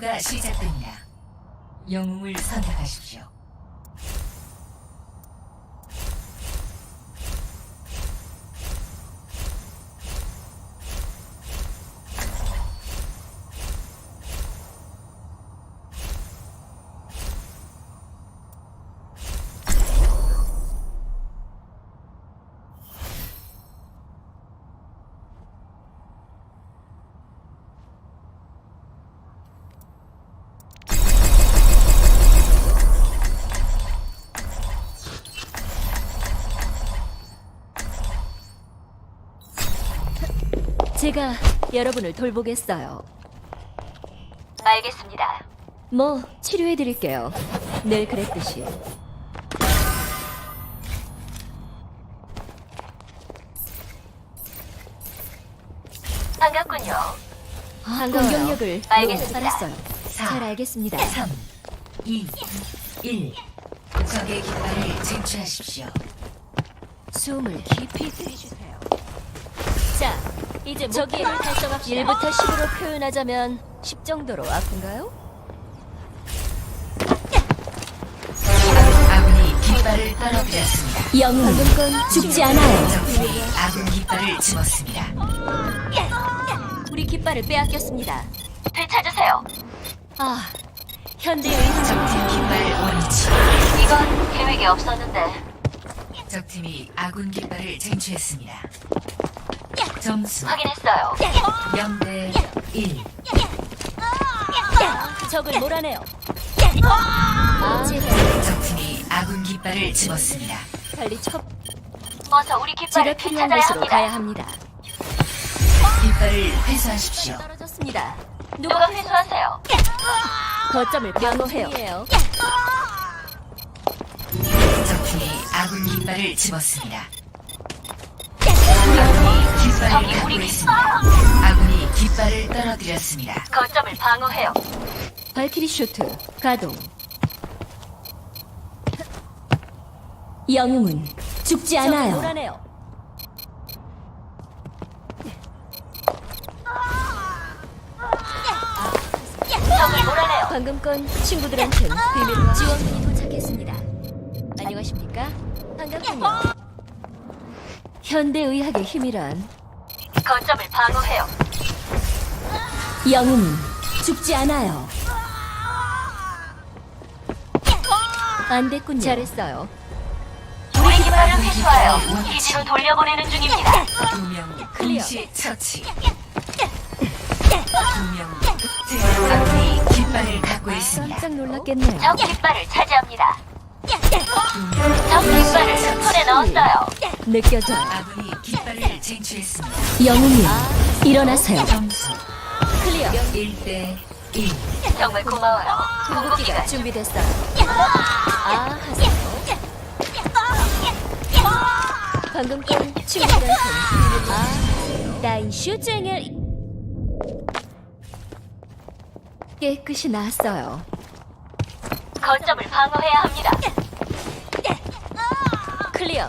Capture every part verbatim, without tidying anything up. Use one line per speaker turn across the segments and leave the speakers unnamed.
전투가 시작됩니다. 영웅을 선택하십시오.
제가 여러분을 돌보겠어요.
알겠습니다.
뭐 치료해드릴게요. 늘 그랬듯이.
반갑군요.
공격력을
알겠습니다.
알았어요.
사,
잘 알겠습니다.
삼, 이, 일. 적의 깃발을 쟁취하십시오.
숨을 깊이 들이주세요. 자, 이제 저기를 달성합시다. 일부터 십으로 표현하자면 십 정도로 아픈가요?
아군이 깃발을 떨어뜨렸습니다.
영웅 방금 건 죽지 않아요.
적들이 아군 깃발을 집었습니다.
우리 깃발을 빼앗겼습니다.
되찾으세요.
아, 현대의
적팀 깃발 원위치.
이건 계획에 없었는데.
적팀이 아군 깃발을 쟁취했습니다. 점수
확인했어요.
영 대 일.
적을 몰아내요. 아, 제가
적팀이 아군 깃발을 집었습니다.
빨리 쳐.
어서 우리
제가
깃발을
필요한
되찾아야
곳으로
합니다.
가야 합니다.
깃발을 회수하십시오.
떨어졌습니다.
누가 회수하세요?
거점을 방어해요.
적팀이 아군 깃발을 집었습니다. 아군이 깃발을
적이
갖고
우리
있습니다. 아군이 깃발을 떨어뜨렸습니다.
거점을 방어해요.
발키리 쇼트 가동. 영웅은 죽지 않아요. 몰아내요.
적을 몰아내요.
방금 건 친구들한텐 비밀로 지원군이 도착했습니다. 안녕하십니까? 반갑군요. 현대의학의 힘이란
거점을 방어해요.
영웅은 죽지 않아요. 안 됐군요. 잘했어요.
우리 깃발을 회수하여 기지로 돌려보내는 중입니다.
두 명
클리어.
동시 처치. 두명 아군이 깃발을 갖고 있습니다.
깜짝 놀랐겠네요.
적 깃발을 차지합니다.
두명
적 깃발을 손에 넣었어요.
느껴져요.
아군이 깃발을 쟁취했습니다.
영웅이 일어나세요.
점수
클리어.
일 대 일.
정말 고마워요. 궁극기가
준비됐어요. 아, 하세요. 방금 건 친구들한테 아, 하세요. 나인 슈쟁을 깨끗이 나았어요.
거점을 방어해야 합니다.
클리어.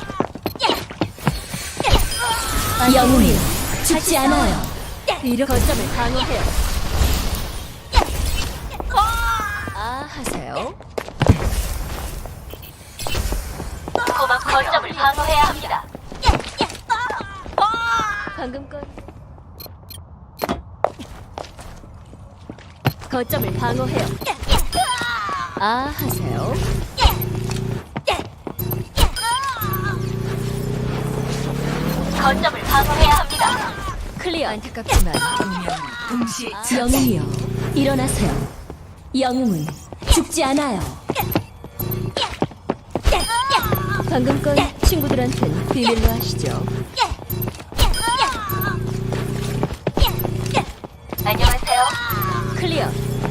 영웅이 죽지 않아요. 이렇게 거점을 방어해요. 아, 하세요.
고막 거점을 방어해야 합니다.
방금 건 거점을 방어해요. 아, 하세요.
거점을 방어해야 합니다.
클리어. 안타깝지만
두명 동시 처치.
영웅이요, 일어나세요. 영웅은 죽지 않아요. 방금 건 친구들한텐 비밀로 하시죠.
안녕하세요.
클리어.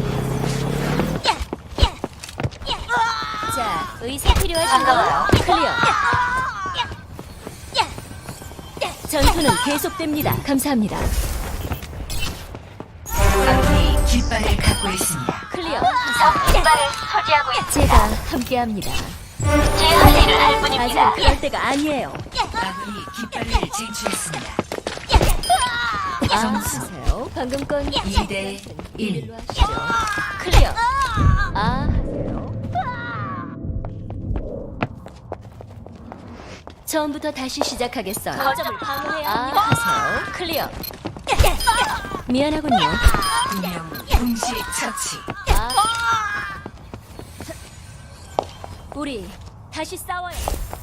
자, 의사 필요하신가요?
반가워요.
클리어. 전투는 계속됩니다. 감사합니다.
아군이 깃발을 갖고 있습니다.
클리어.
적 깃발을 소지하고 있습니다.
제가 함께합니다.
제 할 일을 할
아직은
뿐입니다.
그럴 때가 아니에요.
아군이 깃발을 쟁취했습니다.
아,
점수
하세요. 방금 건
이 대 일.
일로 하시죠. 클리어. 아, 하세요. 처음부터 다시 시작하겠어요.
거점을
방어해야 합니다. 아, 하세요. 클리어. 미안하군요.
두 명 동시 처치.
아. 우리 다시 싸워요.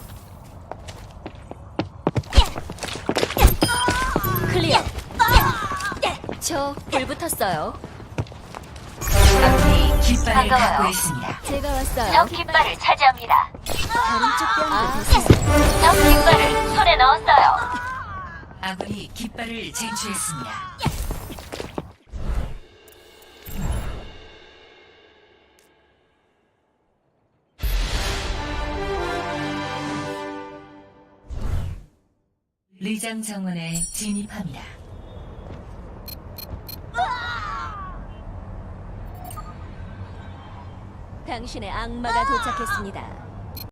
클리어. 저 불 붙었어요.
아군이 깃발을
반가워요.
갖고 있습니다.
제가 왔어요.
적 깃발을 차지합니다.
다른 쪽 뺨도
아.
됐어요.
적 깃발을 손에 넣었어요.
아군이 깃발을 쟁취했습니다. 리장 정원에 진입합니다.
당신의 악마가 도착했습니다.